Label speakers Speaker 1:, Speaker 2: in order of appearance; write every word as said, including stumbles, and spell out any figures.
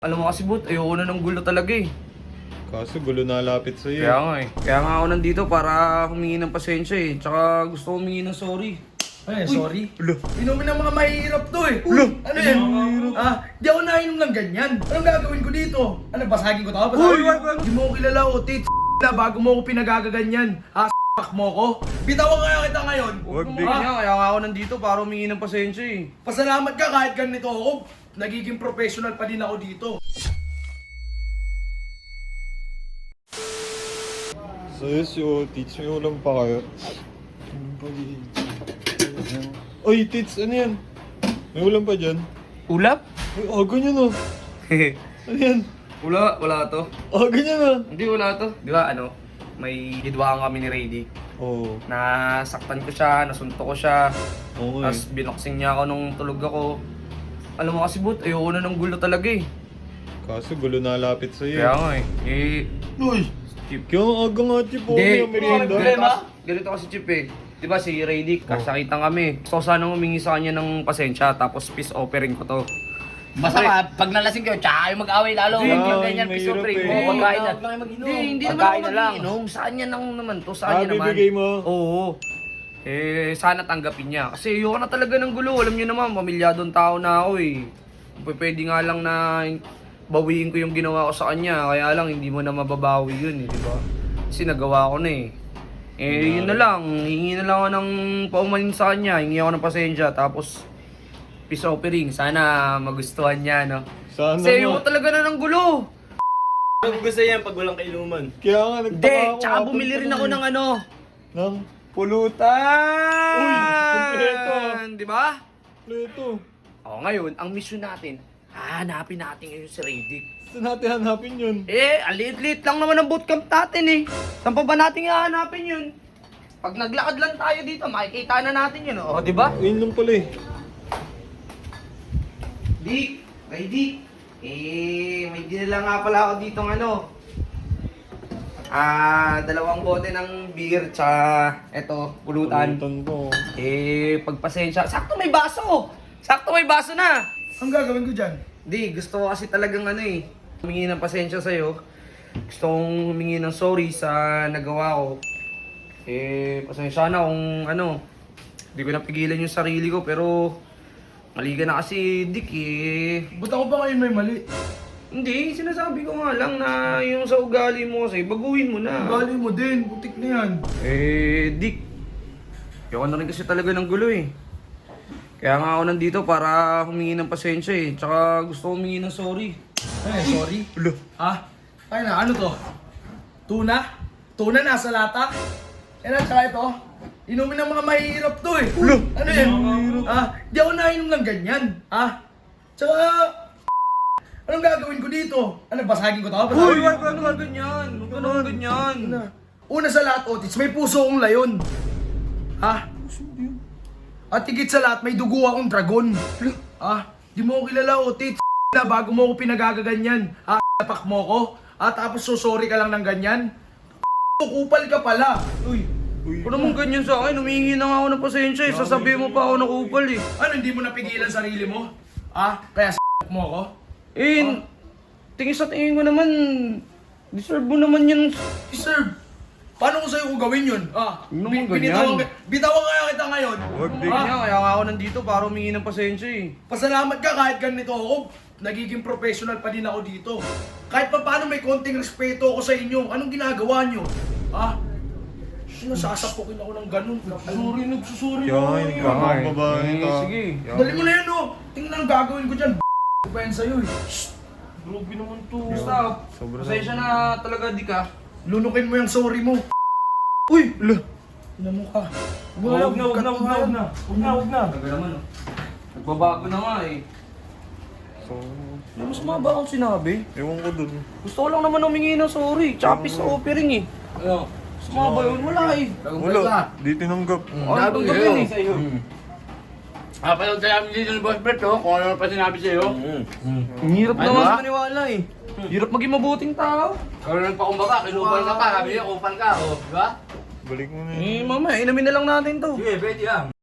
Speaker 1: Alam mo kasi Bot, ayoko na ng gulo talaga eh.
Speaker 2: Kaso gulo na lapit sa'yo.
Speaker 1: Kaya nga eh. Kaya nga ako nandito para humingi ng pasensya eh. Tsaka gusto ko humingi ng sorry.
Speaker 3: Ay, sorry.
Speaker 2: Ulo.
Speaker 3: Inumin ng mga mahihirap to eh.
Speaker 2: Ulo.
Speaker 3: Ano yan? Ah, di ako nainom ng ganyan. Anong gagawin ko dito? Ano, basagin ko to? Basagin
Speaker 1: Uy,
Speaker 3: ko?
Speaker 1: wag, wag.
Speaker 3: Di mo ko kilala o tit na bago mo ko pinagagaganyan. Ah, s**k mo ko. Bitawan kaya kita ngayon.
Speaker 2: Wag,
Speaker 1: Huwag
Speaker 2: Big.
Speaker 1: mo kaya, kaya nga ako nandito para humingi ng pasensya eh.
Speaker 3: Pasalamat ka kahit ganito ako. Nagiging professional pa din ako dito.
Speaker 2: So yes, yo, teach may ulam pa kayo. Oy, Tits, ano yan? May ulam pa dyan?
Speaker 1: Ulap?
Speaker 2: Ay, oh, ganyan oh. Ano yan?
Speaker 1: wala, wala to.
Speaker 2: Oh, ganyan oh.
Speaker 1: Hindi, wala to. Di ba ano, may gidwaan kami ni Raydick.
Speaker 2: Oo.
Speaker 1: Nasaktan ko siya, nasunto ko siya.
Speaker 2: Oo
Speaker 1: Tapos binoksing niya ako nung tulog ako. Alam mo kasi Bot, ayoko na ng gulo talaga eh.
Speaker 2: Kaso gulo na lapit sa'yo.
Speaker 1: Kaya nga eh. Eh,
Speaker 2: Uy!
Speaker 1: Chip.
Speaker 2: Kaya ang aga nga, Chip. Oh,
Speaker 1: Hindi,
Speaker 2: may merienda.
Speaker 1: ganito, kasi, ganito kasi Chip eh. Di ba si Raydick, kasakitan kami. Gusto ko sana humingi sa kanya ng pasensya, tapos peace offering ko to.
Speaker 4: Basta ka, pag nalasing kayo, tsaka kayo mag-away lalo.
Speaker 2: Hindi,
Speaker 4: Huwag yung
Speaker 2: hindi,
Speaker 4: ganyan,
Speaker 2: mahirap
Speaker 4: piso pre.
Speaker 2: eh.
Speaker 4: Oo, pagkain na.
Speaker 1: Hindi, hindi naman
Speaker 4: Pagkain
Speaker 1: ako
Speaker 4: na lang.
Speaker 1: mag-iinom. Sa kanya lang naman to, sa
Speaker 2: Ah,
Speaker 1: kanya naman.
Speaker 2: bibigay mo?
Speaker 1: Oo. Eh, sana tanggapin niya. Kasi ayoko na talaga ng gulo. Alam niyo naman, pamilyadong tao na ako eh. P- Pwede nga lang na bawiin ko yung ginawa ko sa kanya. Kaya lang, hindi mo na mababawi yun eh, di ba? Kasi nagawa ko na eh. Eh, yun na lang. Hingi na lang ako ng paumanin sa kanya. Hingi ako ng pasensya. Tapos, peace offering. Sana magustuhan niya, no?
Speaker 2: Sana
Speaker 1: Kasi ayoko
Speaker 2: nga.
Speaker 1: talaga na ng gulo.
Speaker 5: Gusto yan pag walang kainuman.
Speaker 2: Kaya nga, nagtaka
Speaker 1: Hindi,
Speaker 2: ako.
Speaker 1: tsaka
Speaker 2: kapag
Speaker 1: bumili rin ako
Speaker 2: tuloy.
Speaker 1: ng ano.
Speaker 2: Ng
Speaker 1: Pulutan!
Speaker 2: Uy, kompleto.
Speaker 1: Di ba?
Speaker 2: pleto.
Speaker 1: O ngayon, ang mission natin, hahanapin natin ngayon si Raydick.
Speaker 2: Saan natin hanapin yun?
Speaker 1: Eh, ang liit-liit lang naman ang bootcamp natin eh. Saan pa ba natin hahanapin yun? Pag naglakad lang tayo dito, makikita na natin yun. O, di ba?
Speaker 2: Ayun lang pala eh.
Speaker 1: Dick, Raydick. Eh, may dinala nga pala ako dito ng ano. Ah, dalawang bote ng beer, tsaka eto, pulutan.
Speaker 2: Pulutan po.
Speaker 1: Eh, pagpasensya. Sakto may baso! Sakto may baso na!
Speaker 3: Ang gagawin ko dyan?
Speaker 1: Di, gusto ko kasi talagang ano eh. Humingi ng pasensya sa'yo. Gusto kong humingi ng sorry sa nagawa ko. Eh, pasensya na kung ano. Hindi ko napigilan yung sarili ko pero mali ka na kasi, Dick eh.
Speaker 3: Ba't ako ba ngayon may mali?
Speaker 1: Hindi, sinasabi ko nga lang na yung sa ugali mo kasi, baguhin mo na.
Speaker 3: Ugali mo din, putik na yan.
Speaker 1: Eh, Dick. Ayoko na rin kasi talaga ng gulo eh. Kaya nga ako nandito para humingi ng pasensya eh. Tsaka gusto ko humingi ng sorry.
Speaker 3: Ay, sorry.
Speaker 2: Ulo.
Speaker 3: Ah, ay na, ano to? Tuna? Tuna nasa lata? Yan at saka ito. Inumin ng mga mahihirap to eh.
Speaker 2: Ulo.
Speaker 3: Ano yan? Ah, di ako nainom ng ganyan. Ah, tsaka... Anong gagawin ko dito? Ano, basagin ko to? Basagin
Speaker 1: Uy,
Speaker 3: ko?
Speaker 1: wag ka naman ganyan. Wag ka naman ganyan.
Speaker 3: Una. Una sa lahat, Otis, may puso akong layon. Ha? At higit sa lahat, may dugo akong dragon. Ah, di mo ko kilala, Otis. Na bago mo ko pinagagaganyan. Ah, napak mo ko. At tapos susori ka lang ng ganyan. Kupal ka pala. Uy,
Speaker 2: Uy.
Speaker 1: Kung naman ganyan sa akin, humingi na nga ako ng pasensya eh. Sasabihin mo pa ako nakupal eh.
Speaker 3: ano, hindi mo napigilan sarili mo? Ah, kaya s*** mo ako?
Speaker 1: Eh, tingin sa tingin ko naman, deserve mo naman yun.
Speaker 3: Deserve. Paano ko sa'yo kung gawin yun? Ah,
Speaker 1: Huwag naman
Speaker 3: bi- binitawan,
Speaker 1: ganyan.
Speaker 3: ka- bitawan kaya kita ngayon.
Speaker 2: Wag, Dick.
Speaker 1: Kaya, kaya nga ako nandito para humingi ng pasensya eh.
Speaker 3: Pasalamat ka kahit ganito ako. Nagiging professional pa din ako dito. Kahit pa paano may konting respeto ako sa inyo. Anong ginagawa nyo? Ah? Sinasasapukin ako ng ganun. Nagsusuri, nagsusuri
Speaker 2: Kaya
Speaker 3: ako.
Speaker 2: nga,
Speaker 3: ngayon.
Speaker 2: kaya nga. Ang babae
Speaker 1: Eh,
Speaker 2: ta.
Speaker 1: sige.
Speaker 3: Dali mo na yan oh. Tingnan ang gagawin ko dyan. Pa yan sa'yo eh.
Speaker 1: Grabe naman to.
Speaker 2: Sobra
Speaker 1: Basta, pasensya na talaga di ka.
Speaker 3: Lunukin mo yung sorry mo. Uy!
Speaker 2: Ulo.
Speaker 3: Tingnan mo ka.
Speaker 5: Huwag na, huwag na, huwag na, huwag na. Huwag na, huwag na.
Speaker 1: Talaga naman oh. Nagbabago na nga eh.
Speaker 2: So,
Speaker 1: May mas maba akong sinabi.
Speaker 2: ewan ko dun.
Speaker 1: Gusto ko lang naman humingi ng sorry. Tsaka peace offering eh.
Speaker 5: Ano?
Speaker 1: Mas maba yun, wala eh.
Speaker 2: Wala. Di tinanggap.
Speaker 1: Ano itong gawin eh?
Speaker 5: Sa'yo. Ah, pala tayo kami dito ni Boss Bert, oh. Kung ano pa sinabi sa'yo.
Speaker 1: Ang hirap
Speaker 5: Ano
Speaker 1: naman
Speaker 5: ba?
Speaker 1: sa maniwala eh. Hirap maging mabuting tao.
Speaker 5: Kung ano pa kumbaga, kinupal ka pa. Sabi niya, kupal ka, oh. Di ba?
Speaker 2: Balik mo na yun.
Speaker 1: Eh, mamaya, inamin na lang natin to.
Speaker 5: Sige, pwede lang.